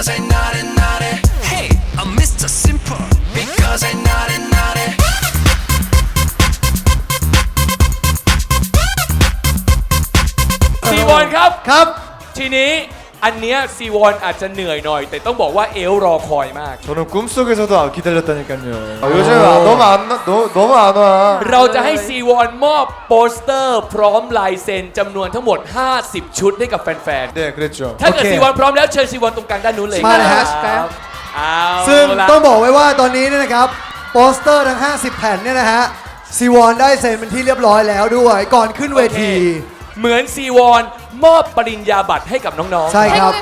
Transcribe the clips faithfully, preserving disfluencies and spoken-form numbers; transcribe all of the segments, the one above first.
Because I naughty naughty. Hey, I'm Mister Simple. Because I naughty naughty. ซีวอนครับครับทีนี้อันเนี้ยซีวอนอาจจะเหนื่อยหน่อย แต่ต้องบอกว่าเอลรอคอยมาก 저는 꿈속에서도 기다렸다니까요. 아, 요즘 아, 너무 안 나, 너, 너무 안 와. เราจะให้ซีวอนมอบโปสเตอร์พร้อมลายเซ็นจำนวนทั้งหมดห้าสิบชุดให้กับแฟน 네, 그랬죠. ๆ ถ้าเกิดโอเคซีวอนพร้อมแล้วเชิญซีวอนตรงกลางด้านนู้นเลยมาเลยคฮะรับเอาซึ่งละต้องบอกไว้ว่าตอนนี้เนี่ยนะครับโปสเตอร์ทั้งห้าสิบแผ่นเนี่ยนะฮะซีวอนได้เซ็นเป็นที่เรียบร้อยแล้วด้วยก่อนขึ้นเวทีเหมือนซีวอนมอบปริญญาบัตรให้กับน้องๆใช่ครับ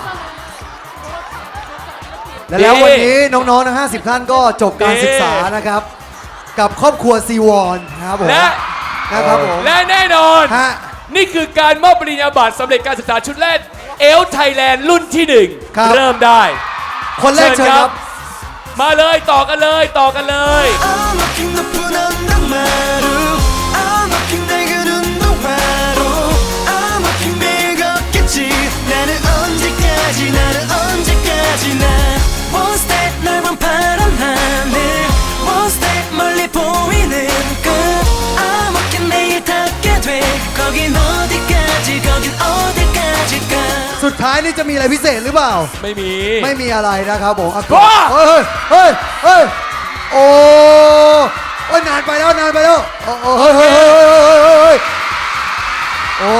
และแล้ววันนี้น้องๆทั้งห้าสิบท่านก็จบการศึกษานะครับ กับครอบครัวซีวอนนะครับผมและนะครับผมและแน่นอนฮะนี่คือการมอบปริญญาบัตรสำเร็จการศึกษาชุดแรกเอลไทยแลนด์รุ่นที่หนึ่งครับเริ่มได้คนแรกเชิญครับมาเลยต่อกันเลยต่อกันเลย I'm looking the put on the maru. I'm looking 내가 눈도 마루. I'm looking 내가 없겠지. 나는 언제까지 나는 언제까지 나. One step 넓은 파란 하늘. One step 멀리 보이는 끝. I'm looking 내일 닿게 돼. 거긴 어디까지 거긴 어디까지가. สุดท้ายนี่จะมีอะไรพิเศษหรือเปล่าไม่มีไม่มีอะไรนะครับผมอ่ะว้าเฮ้ยเฮ้ยเฮ้ยโอ้โอ้ยนานไปแล้วนานไปแล้วโอ้โอ้เฮ้ยเฮ้ยเฮ้ยเฮ้ยเฮ้ยเฮ้ยโอ้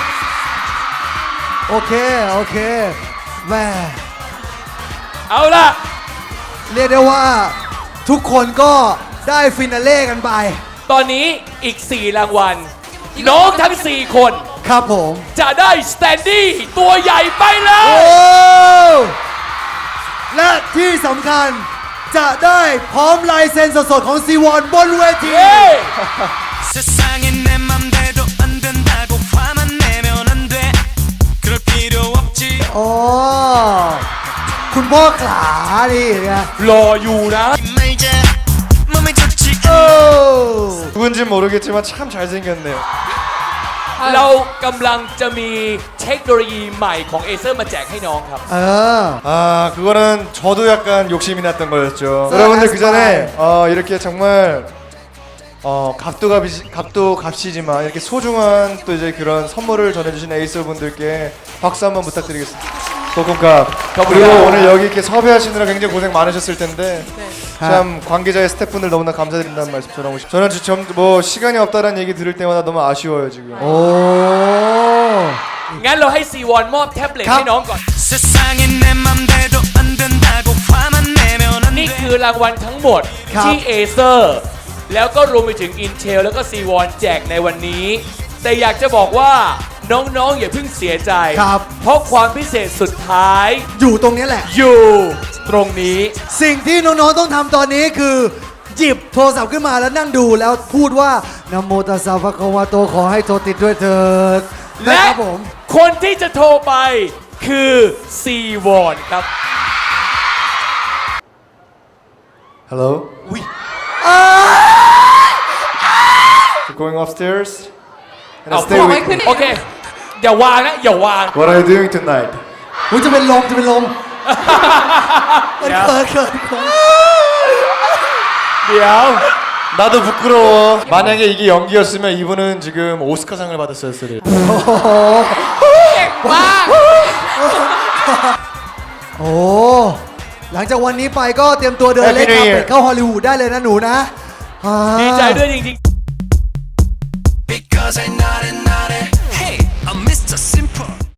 โอเคโอเคแม่เอาล่ะเรียกได้ว่าทุกคนก็ได้ฟินาเล่กันไปตอนนี้อีกสี่รางวัลน้องทั้งสี่คนครับผมจะได้สแตนดี้ตัวใหญ่ไปเลโอ้ยและที่สำคัญจะได้พร้อมลายเซ็นสดๆของซีวอนบนเวทีเย้ 세상에 내 맘대로 안 된다고 화만 내면 안 돼. 그럴 필요 없지. อ๋อคุณพ่อขาดิไงรออยู่นะ 말자 몸에 좋지. โอ้ 누군지 모르겠지만 참 잘생겼네요. เรากำลังจะมีเทคโนโลยีใหม่ของเอเซอร์มาแจกให้น้องครับเออ 아, 그거는 저도 약간 욕심이 났던 거였죠. 네, 여러분들 그 아스파이. 전에 어, 이렇게 정말 어, 값도 값이, 값도 값이지만 이렇게 소중한 또 이제 그런 선물을 전해주신 에이스 분들께 박수 한번 부탁드리겠습니다. 소금값. 그리고 오늘 여기 이렇게 섭외하시느라 굉장히 고생 많으셨을 텐데 참 관계자의 스태프분들 너무나 감사드린다는 말씀 전하고 싶어요. 저는 좀 뭐 시간이 없다라는 얘기 들을 때마다 너무 아쉬워요 지금. โอ้งั้นเราให้ซีวอนมอบแท็บเล็ตครับให้น้องก่อน 세상에 내 맘대로 안 된다고 화만 내면 안 นี่ 돼. คือรางวัลทั้งหมดครับที่เอเซอร์แล้วก็รวมไปถึง Intel แล้วก็ซีวอนแจกในวันนี้ แต่อยากจะบอกว่าน้องๆอย่าเพิ่งเสียใจครับเพราะความพิเศษสุดท้ายอยู่ตรงนี้แหละอยู่ตรงนี้สิ่งที่น้องๆต้องทำตอนนี้คือ หยิบโทรศัพท์ขึ้นมาแล้วนั่งดูแล้วพูดว่านะโมตัสสะภะคะวะโตขอให้โทรติดด้วยเถิดและนะครับผมคนที่จะโทรไปคือซีวอนครับ Hello. อ้า So going upstairs. And เอา I stay with me. โอเค อย่าวางนะ อย่าวาง What are you doing tonight? ผมจะเป็นลมจะเป็นลมเขินเขินเขินเขินเดี๋ยว 나도 부끄러워. 만약에 이게 연기였으면 이분은 지금 오스카상을 받았었을 거예요. ว้าโอ้หลังจากวันนี้ไปก็เตรียมตัวเดินเล่น Happy คา New เฟ่ Year เข้าฮอลลีวูดได้เลยนะหนูนะอ่าดีใจด้วยจริงๆ Because I know